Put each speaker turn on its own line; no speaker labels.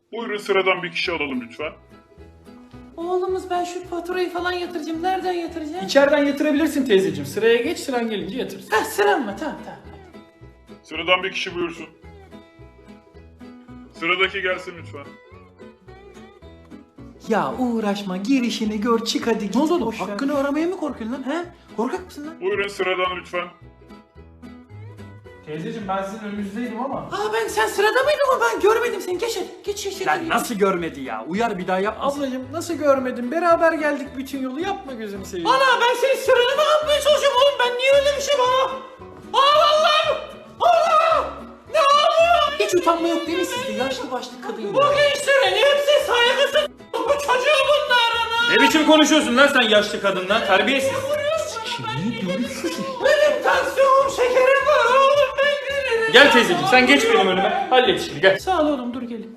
Buyurun sıradan bir kişi alalım lütfen.
Oğlumuz ben şu faturayı falan yatıracağım. Nereden yatıracağım?
İçeriden yatırabilirsin teyzeciğim. Sıraya geç, sıran gelince yatırırsın.
Ha sıram mı? Tamam.
Sıradan bir kişi buyursun. Sıradaki gelsin lütfen.
Ya uğraşma gir işini gör çık hadi. Ne oldu oğlum? Hakkını aramaya mı korkuyorsun lan? He? Korkak mısın lan?
Buyurun sıradan lütfen.
Teyzeciğim ben sizin önünüzdeydim ama.
Aa sen sırada mıydın ama ben görmedim seni. Geç hadi. Geç.
Lan nasıl görmedi ya? Uyar bir daha yap. Ablacığım nasıl görmedin? Beraber geldik bütün yolu. Yapma gözünü seveyim.
Ana ben senin sıranı mı yapmaya çalışıyorum oğlum? Ben niye öyle bir şey bana? Allah'ım! Allah! Ne oluyor? Hiç utanma yok değil mi sizde? Yaşlı başlı kadın. Bu gençlerin hepsi saygısız. Bu çocuğu bunların.
Ne biçim konuşuyorsun lan sen yaşlı kadınla? Terbiyesiz.
Benim tansiyonum şekerim var oğlum ben gelirim.
Gel teyzeciğim sen geç benim önüme. Hallet işini gel.
Sağ ol oğlum dur gelin.